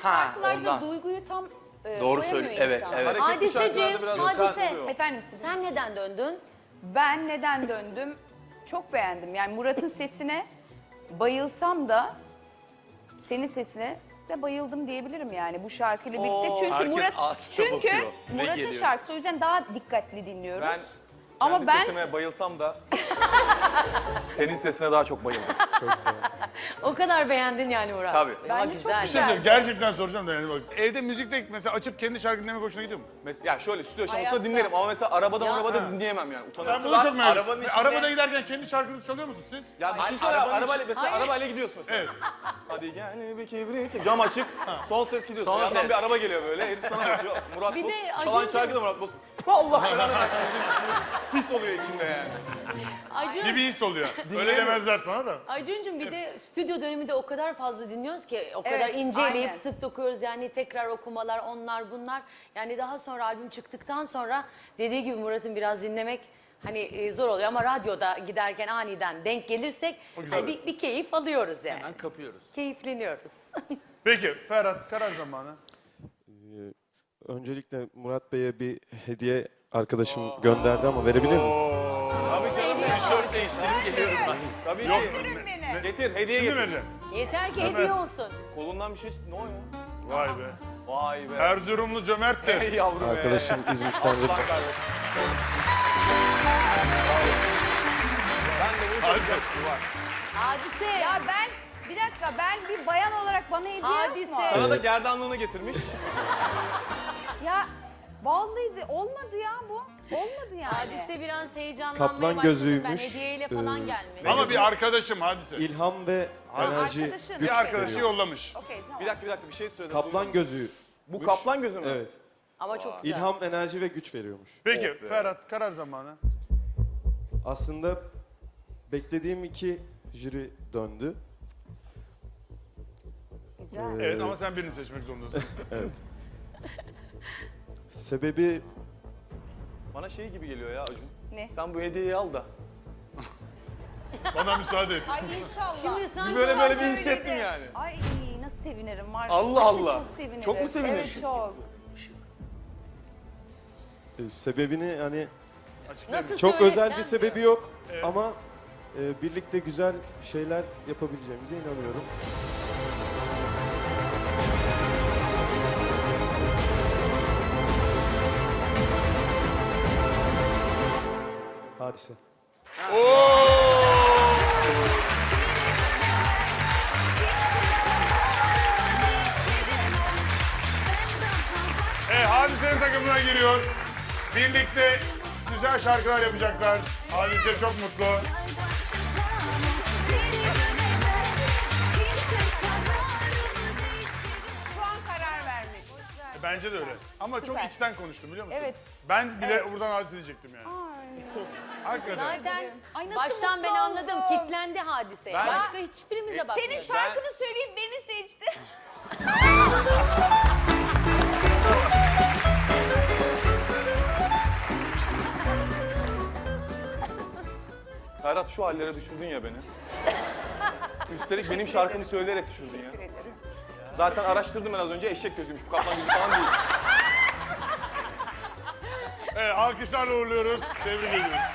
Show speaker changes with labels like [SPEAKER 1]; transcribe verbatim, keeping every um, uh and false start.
[SPEAKER 1] şarkılarda
[SPEAKER 2] ondan.
[SPEAKER 1] duyguyu tam e,
[SPEAKER 2] Doğru
[SPEAKER 1] koyamıyor
[SPEAKER 2] söylüyor, evet,
[SPEAKER 1] insan.
[SPEAKER 2] evet.
[SPEAKER 3] Hadiseciğim,
[SPEAKER 4] şarkılarda biraz
[SPEAKER 3] Hadise.
[SPEAKER 4] sert oluyor.
[SPEAKER 1] Efendim siz?
[SPEAKER 3] Sen neden döndün?
[SPEAKER 1] Ben neden döndüm? Çok beğendim. Yani Murat'ın sesine bayılsam da senin sesine de bayıldım diyebilirim yani bu şarkıyla birlikte. Çünkü
[SPEAKER 2] herkes
[SPEAKER 1] Murat
[SPEAKER 2] ağzına
[SPEAKER 1] çünkü
[SPEAKER 2] bakıyor. Ne
[SPEAKER 1] Murat'ın
[SPEAKER 2] geliyor?
[SPEAKER 1] şarkısı o yüzden daha dikkatli dinliyoruz.
[SPEAKER 4] Ben
[SPEAKER 1] Ama
[SPEAKER 4] kendi
[SPEAKER 1] ben
[SPEAKER 4] sesime bayılsam da senin sesine daha çok bayıldım.
[SPEAKER 3] O kadar beğendin yani Murat.
[SPEAKER 4] Tabii.
[SPEAKER 3] Ya,
[SPEAKER 1] Bence çok
[SPEAKER 3] güzel.
[SPEAKER 1] güzel.
[SPEAKER 5] Mesela gerçekten soracağım da yani bak. Evde müzikte mesela açıp kendi şarkını dinlemek hoşuna gidiyor mu?
[SPEAKER 4] Mesela ya şöyle stüdyo
[SPEAKER 1] Hayatta.
[SPEAKER 4] şarkısında dinlerim ama mesela arabada
[SPEAKER 3] Ya.
[SPEAKER 4] arabada dinleyemem yani. Utanırım.
[SPEAKER 5] Ben bunu çok merak
[SPEAKER 2] arabanın
[SPEAKER 5] ediyorum.
[SPEAKER 2] içinde-
[SPEAKER 5] Arabada giderken kendi şarkınızı çalıyor musunuz siz?
[SPEAKER 4] Ya
[SPEAKER 2] Hayır,
[SPEAKER 4] düşünsene
[SPEAKER 2] arabanın
[SPEAKER 4] arabayla
[SPEAKER 2] içi-
[SPEAKER 4] mesela arabayla gidiyorsun mesela.
[SPEAKER 5] Evet.
[SPEAKER 4] Hadi gel bir kibrit. Cam açık. Son ses gidiyorsun.
[SPEAKER 2] Son
[SPEAKER 4] Yandan
[SPEAKER 2] ses.
[SPEAKER 4] bir araba geliyor böyle. Herif sana bakıyor. Murat
[SPEAKER 3] Bir
[SPEAKER 4] Boz.
[SPEAKER 3] de
[SPEAKER 4] Çalan
[SPEAKER 3] Acun'cum-
[SPEAKER 4] şarkı da Murat Boz. Allah belanı versin. His oluyor içimde yani.
[SPEAKER 3] Acun,
[SPEAKER 5] Bir bir his oluyor. Öyle
[SPEAKER 4] Dinleyemiyorum.
[SPEAKER 5] demezler sana da.
[SPEAKER 3] Acun'cum bir de stüdyo döneminde o kadar fazla dinliyoruz ki o kadar
[SPEAKER 1] Evet,
[SPEAKER 3] inceleyip
[SPEAKER 1] aynen.
[SPEAKER 3] sık dokuyoruz yani tekrar okumalar onlar bunlar. Yani daha sonra albüm çıktıktan sonra dediği gibi Murat'ın biraz dinlemek hani e, zor oluyor ama radyoda giderken aniden denk gelirsek
[SPEAKER 5] güzel.
[SPEAKER 3] hani bir, bir keyif alıyoruz yani.
[SPEAKER 2] Hemen kapıyoruz.
[SPEAKER 3] Keyifleniyoruz.
[SPEAKER 5] Peki Ferhat karar zamanı.
[SPEAKER 6] Öncelikle Murat Bey'e bir hediye arkadaşım gönderdi ama verebilir miyim?
[SPEAKER 4] Tabii canım.
[SPEAKER 2] Tişört değiştirip geliyorum ben.
[SPEAKER 4] Tabii
[SPEAKER 5] Yok.
[SPEAKER 4] ki.
[SPEAKER 1] Gönderin beni.
[SPEAKER 4] Getir hediye
[SPEAKER 5] Şimdi
[SPEAKER 4] getir.
[SPEAKER 5] vereceğim.
[SPEAKER 3] Yeter ki hediye olsun.
[SPEAKER 4] Kolundan bir şey ne o ya?
[SPEAKER 5] Vay be.
[SPEAKER 4] Vay be.
[SPEAKER 5] Erzurumlu cömerttir.
[SPEAKER 4] Ey yavrum be.
[SPEAKER 6] Arkadaşım İzmit'ten
[SPEAKER 4] Aslan
[SPEAKER 6] verdi.
[SPEAKER 4] kardeşim. Ben de bunu çok yaşlı var.
[SPEAKER 3] Hadise.
[SPEAKER 1] Ya ben bir dakika ben bir bayan olarak bana hediye yok mu?
[SPEAKER 3] Hadise.
[SPEAKER 4] Sana da gerdanlığını getirmiş.
[SPEAKER 1] Ya vallahi de olmadı ya bu. Olmadı yani.
[SPEAKER 3] Hadise biraz heyecanlanmaya
[SPEAKER 6] Kaplan
[SPEAKER 3] başladım
[SPEAKER 6] gözüymüş.
[SPEAKER 3] ben hediyeyle falan
[SPEAKER 6] Ee,
[SPEAKER 3] gelmesi.
[SPEAKER 5] Ama bir arkadaşım hadise.
[SPEAKER 6] İlham ve enerji,
[SPEAKER 1] arkadaşın.
[SPEAKER 6] güç
[SPEAKER 5] Bir arkadaşı
[SPEAKER 6] veriyor.
[SPEAKER 5] yollamış.
[SPEAKER 1] Okey tamam.
[SPEAKER 4] Bir dakika bir dakika bir şey söyle.
[SPEAKER 6] Kaplan gözü.
[SPEAKER 4] Bu kaplan gözü mü?
[SPEAKER 6] Evet.
[SPEAKER 3] Ama çok güzel.
[SPEAKER 6] İlham, enerji ve güç veriyormuş.
[SPEAKER 5] Peki Ferhat karar zamanı.
[SPEAKER 6] Aslında beklediğim iki jüri döndü.
[SPEAKER 1] Güzel.
[SPEAKER 6] Ee,
[SPEAKER 5] Evet ama sen birini seçmek zorundasın.
[SPEAKER 6] Sebebi
[SPEAKER 4] Bana şey gibi geliyor ya Acun.
[SPEAKER 1] Ne?
[SPEAKER 4] Sen bu hediyeyi al da.
[SPEAKER 5] Bana müsaade et.
[SPEAKER 1] Ay inşallah.
[SPEAKER 3] Şimdi sanki
[SPEAKER 4] Böyle böyle bir
[SPEAKER 1] Öyle
[SPEAKER 4] hissettim
[SPEAKER 1] de.
[SPEAKER 4] yani.
[SPEAKER 1] Ay nasıl sevinirim var. ya.
[SPEAKER 4] Allah Allah.
[SPEAKER 1] Çok sevinirim.
[SPEAKER 4] Çok mu sevinir?
[SPEAKER 1] Evet çok.
[SPEAKER 6] e, sebebini hani
[SPEAKER 3] nasıl
[SPEAKER 6] çok
[SPEAKER 3] söylesem
[SPEAKER 6] özel bir sebebi
[SPEAKER 3] diyor.
[SPEAKER 6] yok ama e, birlikte güzel şeyler yapabileceğimize inanıyorum. Hadise.
[SPEAKER 5] Evet Hadise'nin takımına giriyor. Birlikte güzel şarkılar yapacaklar. Hadise çok mutlu.
[SPEAKER 1] Şu an karar vermiş.
[SPEAKER 5] Bence de öyle. Ama çok
[SPEAKER 1] Süper.
[SPEAKER 5] içten konuştum biliyor musun?
[SPEAKER 1] Evet.
[SPEAKER 5] Ben bile buradan Hadise diyecektim yani.
[SPEAKER 1] Ay.
[SPEAKER 5] Hakikaten.
[SPEAKER 3] Zaten
[SPEAKER 1] Ay, nasıl
[SPEAKER 3] baştan
[SPEAKER 1] mutlu
[SPEAKER 3] ben anladım.
[SPEAKER 1] oldum.
[SPEAKER 3] Kitlendi hadiseye.
[SPEAKER 4] Ben-
[SPEAKER 3] Başka hiçbirimize bakmıyor.
[SPEAKER 1] Senin şarkını söyleyip beni seçti.
[SPEAKER 4] Ferhat şu hallere düşürdün ya beni. Üstelik benim şarkımı söyleyerek düşürdün ya. Zaten araştırdım ben az önce eşek gözüymüş. Bu kaplan gözü falan değil.
[SPEAKER 5] Evet alkışlarla uğurluyoruz. Tebrik ediyoruz.